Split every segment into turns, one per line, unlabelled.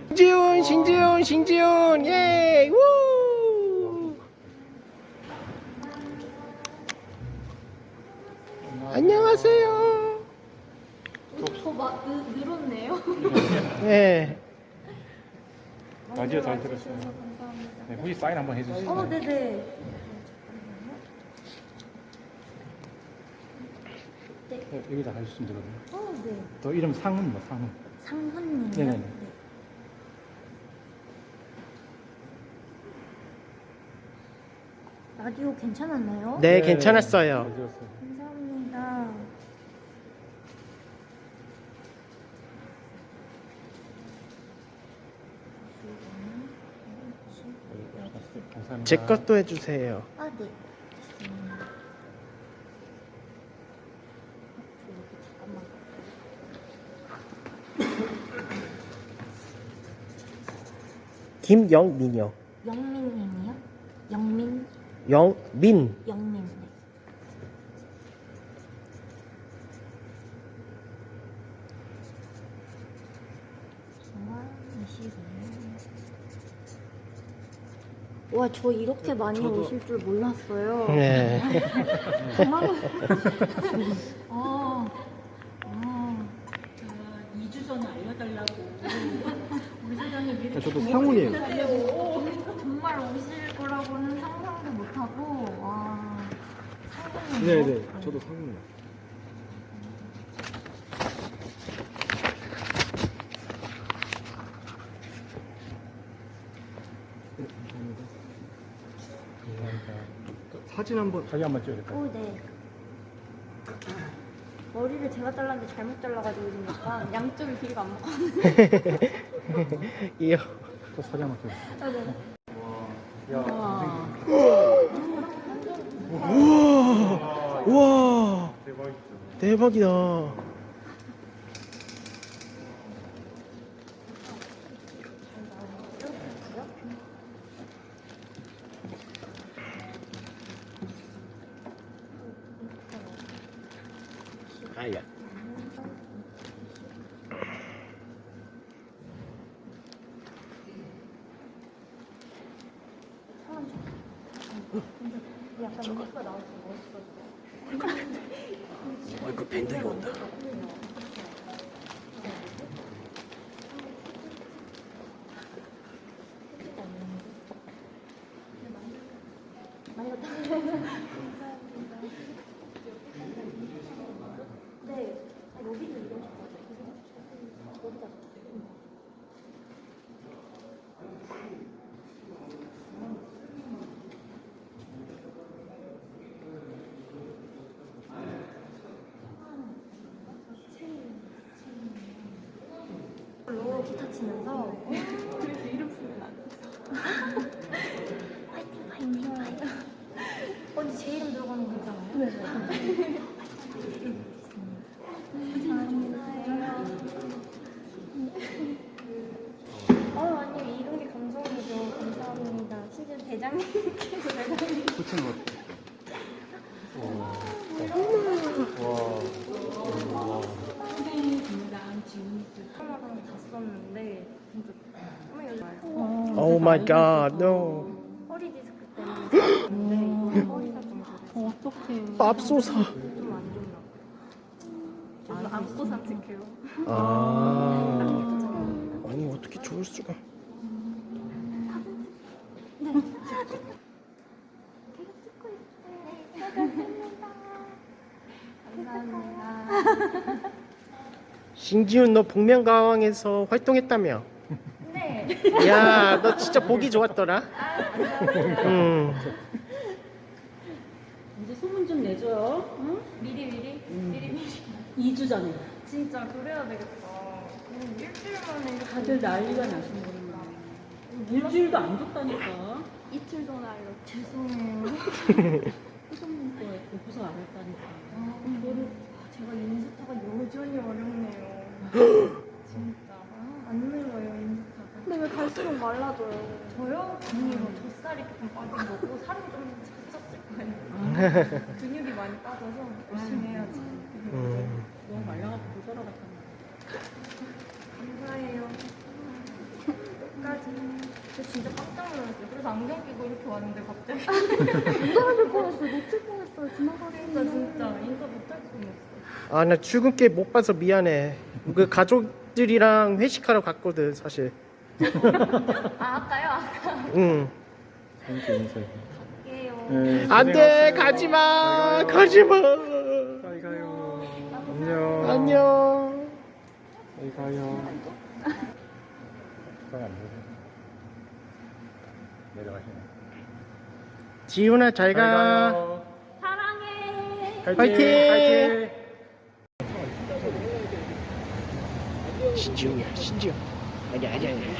신지훈, 예, 우! 안녕하세요.
더 늘었네요.
네.
라디오 잘 들었어요.
감사합니다.
네, 혹시 사인 한번 해주시죠.
네네.
네, 여기다 해주시면 되거든요.
네.
또 이름 상훈, 상훈.
상훈님이요?
네네네.
네. 라디오 괜찮았나요?
네, 괜찮았어요.
잘 들었어요.
감사합니다.
감사합니다.
제 것도 해주세요.
네. 됐습니다. 잠깐만.
김영민이요.
영민님이요? 영민?
영민.
영민. 네. 와, 저 이렇게 많이 오실 줄 몰랐어요.
네.
정말.
2주 전에 알려달라고 우리 사장님 미리
저도 상훈이에요.
정말 오실 거라고는 상상도 못하고, 와. 상상이
네네, 저도 상훈이에요. 네, 감사합니다. 사진 한번 자기 한번 찍어야겠다.
네. 머리를 제가 잘랐는데 잘못 잘라가지고 지금 약간 양쪽이 길이가 안 맞고.
이요.
또 사진 한번 찍어.
네.
야,
우와.
대박이죠.
대박이다. 아야.
약간 이니까 나와서 멋있어지고.
어이구, 밴드가 온다.
많이 갔다. 네. 여기는 이런 식으로. 여기다. 로 기타 치면서 그래서 이름 쓰면 안 돼. 파이팅. 언니 제 이름 들어가는 거 있잖아요. 네. 아니 이런 게 감성이죠. 감사합니다. 심지어 대장님께서 내가
붙이는 것. 와.
선생님이랑 지훈이
하나랑 다 썼는데 진짜 정말 요즘
오 마이 갓, 노.
허리 디스크 때문에 허리가 좀 그래서
어떡해.
맙소사.
좀안 좋나 봐. 안고 산책해요.
아. 아니, 어떻게 좋을 수가.
감사합니다.
신지훈, 너 복면가왕에서 활동했다며?
네.
야, 너 진짜 보기 좋았더라. 응.
이제 소문 좀 내줘요. 응?
미리.
2주 전에.
진짜 그래야 되겠다. 일주일 만에
다들 난리가 나시는구나. 일주일도 안 줬다니까.
이틀 전에 알려. 죄송해요.
소문 거에 보고서 안 했다니까.
제가 인스타가 여전히 어렵네요. 진짜 안 늘어요 인스타가. 근데 왜 갈수록 말라져요? 저요? 아니요. 젖살이 조금 빠진 거고 살은 좀 쪘을 거예요. 근육이 많이 빠져서 열심히 해야지.
너무 말라갖고 못 따라갔다니까.
감사해요. 저 진짜 깜짝 놀랐어요. 그래서 안경 끼고 이렇게 왔는데 갑자기.
인사할 뻔했어요. 놓칠 뻔했어요. 지나가니까
진짜 인사 못할 뻔했어.
아, 나 출근길 못 봐서 미안해. 그 가족들이랑 회식하러 갔거든, 사실.
아 아까요? 아까.
응.
재밌게 인사해.
갈게요.
네,
안 돼,
고생하셨어요.
가지 마.
잘 가요.
가지 마.
잘 가요. 안녕.
안녕.
잘 가요. 잘안 보여. 내려가시네.
지훈아, 잘 가.
가요.
사랑해.
화이팅! 신지웅이야, 신지웅. 아니야.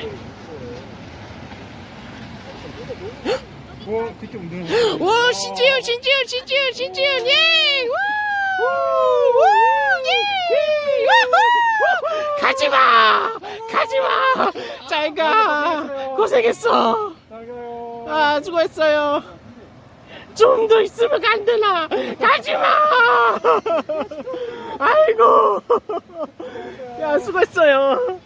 뭐 뒤쪽 운동.
와, 신지훈, 예! 우! 예! 가지마! 잘 가! 고생했어!
잘 가요.
아, 수고했어요. 좀 더 있으면 안 되나? 가지마! 아이고! 야, 수고했어요.